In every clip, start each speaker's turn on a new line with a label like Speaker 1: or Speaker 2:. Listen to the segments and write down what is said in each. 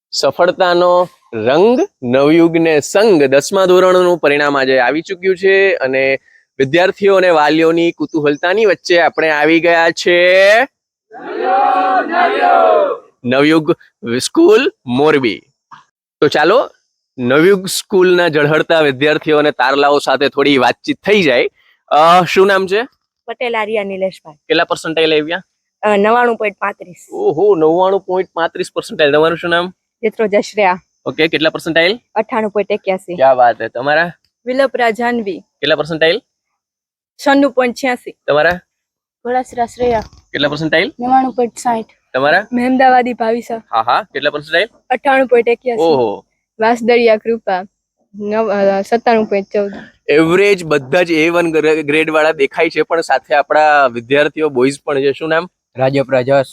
Speaker 1: સફળતાનો રંગ નવયુગને સંગ 10મા ધોરણનું પરિણામ આજે આવી ચૂક્યું છે અને વિદ્યાર્થીઓ અને વાલીઓની કુતૂહલતાની વચ્ચે આપણે આવી ગયા છે નવયુગ સ્કૂલ મોરબી. તો ચાલો નવયુગ સ્કૂલના ઝળહળતા વિદ્યાર્થીઓ અને તારલાઓ સાથે થોડી વાતચીત થઈ જાય. શું નામ છે?
Speaker 2: પટેલ આર્યા નિલેશભાઈ.
Speaker 1: કેટલા પર્સન્ટાઇલ આવ્યા?
Speaker 2: 99.35.
Speaker 1: ઓહો, 99.35%. તમારું શું નામ?
Speaker 2: જેત્રો જશ્રેયા.
Speaker 1: ઓકે, કેટલા પર્સન્ટાઇલ?
Speaker 2: 98.81.
Speaker 1: ક્યા વાત હે. તમારા
Speaker 2: વિલપરા જાનવી.
Speaker 1: કેટલા પર્સન્ટાઇલ?
Speaker 2: 96.86.
Speaker 1: તમારા
Speaker 2: ઘોડાસરા શ્રેયા.
Speaker 1: કેટલા પર્સન્ટાઇલ?
Speaker 2: 99.60.
Speaker 1: તમારા
Speaker 2: મહેમદાવાદી ભાવિસા.
Speaker 1: હા, કેટલા પર્સન્ટાઇલ?
Speaker 2: 98.81.
Speaker 1: ઓહો,
Speaker 2: વાસદળિયા કૃપા 97.14.
Speaker 1: એવરેજ બધા જ A1 ગ્રેડ વાળા દેખાય છે, પણ સાથે આપણા વિદ્યાર્થીઓ બોયઝ પણ છે. શું નામ?
Speaker 3: રાજપરા જસ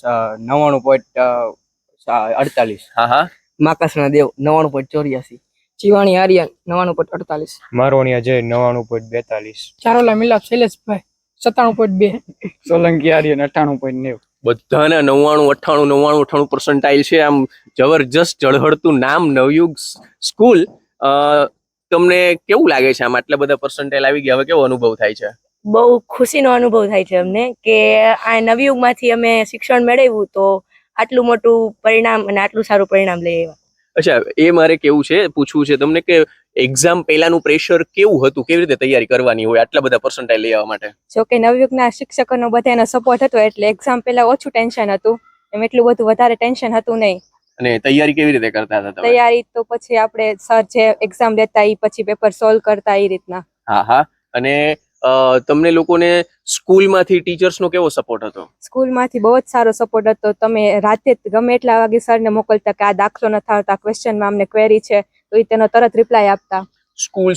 Speaker 3: 99.48.
Speaker 1: હા,
Speaker 3: માકાસના દેવ 99.84. ચીવાણી આર્યન 99.48.
Speaker 4: મારોણી અજય 99.42.
Speaker 5: ચારોલા મિલાપ શૈલેષભાઈ 97.2.
Speaker 3: સોલંકી આર્યન 98.90.
Speaker 1: બધાને 99, 98 પર્સન્ટાઇલ છે. આમ જબરજસ્ત ઝળહળતું નામ નવયુગ સ્કૂલ. તમને કેવું લાગે છે આમ આટલા બધા પર્સન્ટાઇલ આવી ગયા? હવે કેવો અનુભવ થાય છે?
Speaker 2: બહુ ખુશીનો અનુભવ થાય છે અમને કે આ નવયુગમાંથી અમે શિક્ષણ મેળવ્યું તો આટલું મોટું પરિણામ અને આટલું સારું પરિણામ લઈ આવ્યા.
Speaker 1: અચ્છા, એ મારે પૂછવું છે તમને કે એક્ઝામ પહેલાનું પ્રેશર કેવું હતું? કેવી રીતે તૈયારી કરવાની હોય આટલા બધા પર્સન્ટાઇલ લઈ આવવા માટે?
Speaker 2: જો કે નવયુગના શિક્ષકોનો બધાનો સપોર્ટ હતો એટલે એક્ઝામ પહેલા ઓછું ટેન્શન હતું, એમ એટલું બધું વધારે ટેન્શન હતું નહીં.
Speaker 1: અને તૈયારી કેવી રીતે કરતા હતા તમે?
Speaker 2: તૈયારી તો પછી આપણે સર જે એક્ઝામ લેતા એ પછી પેપર સોલ્વ કરતા એ રીતના.
Speaker 1: હા. અને તમને લોકોને સ્કૂલમાંથી ટીચર્સનો કેવો સપોર્ટ હતો?
Speaker 2: સ્કૂલમાંથી બહુ જ સારો સપોર્ટ હતો. તમે રાતે ગમે એટલા વાગે સરને મોકલતા કે આ દાખલો નથી આવતા, ક્વેશ્ચનમાં અમને ક્વેરી છે તો એ તેનો તરત રિપ્લાય આપતા. સ્કૂલ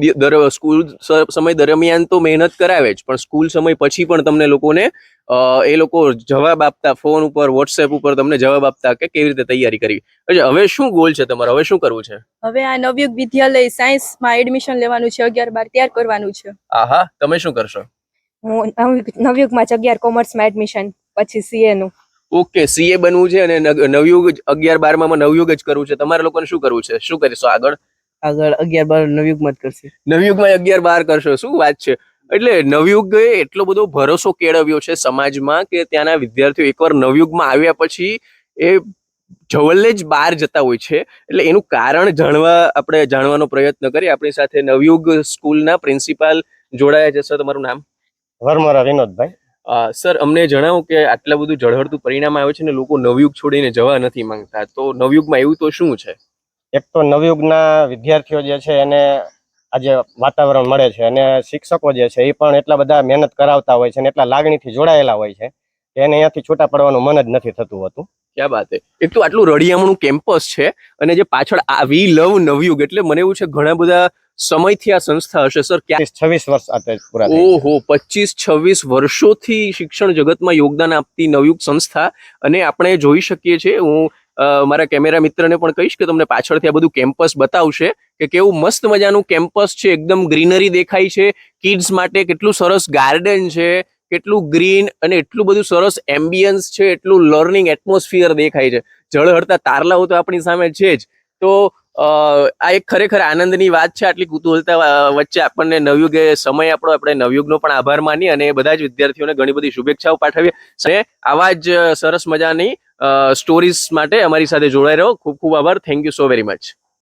Speaker 1: સમય દરમિયાન તો મહેનત કરાવે જ, પણ સ્કૂલ સમય પછી પણ તમને લોકોને એ લોકો જવાબ આપતા, ફોન ઉપર વોટ્સએપ ઉપર તમને જવાબ આપતા કે કેવી રીતે તૈયારી કરવી. અચ્છા, હવે શું ગોલ છે તમારો? હવે શું કરવું છે?
Speaker 2: હવે આ નવયુગ વિદ્યાલય સાયન્સમાં એડમિશન લેવાનું છે, 11-12 તૈયાર કરવાનું છે.
Speaker 1: આહા, તમે શું કરશો?
Speaker 2: હું નવયુગમાં 11 કોમર્સમાં એડમિશન, પછી CA નું.
Speaker 1: ઓકે, CA બનવું છે અને નવયુગ 11-12માં નવયુગ જ કરવું છે. તમારા લોકોને શું કરવું છે? શું કરીશો આગળ?
Speaker 3: 11-12 નવયુગમાં જ કરશે.
Speaker 1: નવયુગમાં 11-12 કરશો? શું વાત છે! એટલે નવયુગે એટલો બધો ભરોસો કેળવ્યો છે સમાજમાં કે ત્યાંના વિદ્યાર્થીઓ એકવાર નવયુગમાં આવ્યા પછી એ જવલ્લે જ બહાર જતા હોય છે. એટલે એનું કારણ આપણે જાણવાનો પ્રયત્ન કરીએ. આપણી સાથે નવયુગ સ્કૂલના પ્રિન્સિપાલ જોડાયા છે. સર, તમારું નામ?
Speaker 4: વરમરા વિનોદભાઈ.
Speaker 1: સર, અમને જણાવો કે આટલા બધું ઝળહળતું પરિણામ આવે છે ને લોકો નવયુગ છોડીને જવા નથી માંગતા, તો નવયુગમાં એવું તો શું છે?
Speaker 4: એક તો નવયુગના વિદ્યાર્થીઓ જે છે એને આજે વાતાવરણ મળે છે અને શિક્ષકો જે છે એ પણ એટલા બધા મહેનત કરાવતા હોય છે અને એટલા લાગણીથી જોડાયેલા હોય છે કે એને અહીંયાથી છૂટા પડવાનું મન જ નથી થતું હોતું.
Speaker 1: ક્યાં વાત છે! એક તો આટલું રળિયામણું કેમ્પસ છે અને જે પાછળ વી લવ નવયુગ, એટલે મને એવું છે ઘણા બધા સમયથી આ સંસ્થા હશે. સર,
Speaker 4: 26 વર્ષ આ પૂરા.
Speaker 1: ઓહો, 25-26 વર્ષોથી શિક્ષણ જગતમાં યોગદાન આપતી નવયુગ સંસ્થા. અને આપણે જોઈ શકીએ છીએ, હું મારા કેમેરા મિત્રને પણ કહીશ કે તમને પાછળથી આ બધું કેમ્પસ બતાવશે કે કેવું મસ્ત મજાનું કેમ્પસ છે. એકદમ ગ્રીનરી દેખાય છે. કિડ્સ માટે કેટલું સરસ ગાર્ડન છે, કેટલું ગ્રીન અને એટલું બધું સરસ એમ્બિયન્સ છે, એટલું લર્નિંગ એટમોસ્ફિયર દેખાય છે. ઝળહળતા તારલાઓ તો આપણી સામે છે જ. તો આ એક ખરેખર આનંદની વાત છે. આટલી કુતૂહલતા વચ્ચે આપણને નવયુગે સમય આપણે નવયુગનો પણ આભાર માનીએ અને બધા જ વિદ્યાર્થીઓને ઘણી બધી શુભેચ્છાઓ પાઠવીએ. અને આવા જ સરસ મજાની સ્ટોરીઝ માટે અમારી સાથે જોડાઈ રહો. ખૂબ ખૂબ આભાર. Thank you so very much.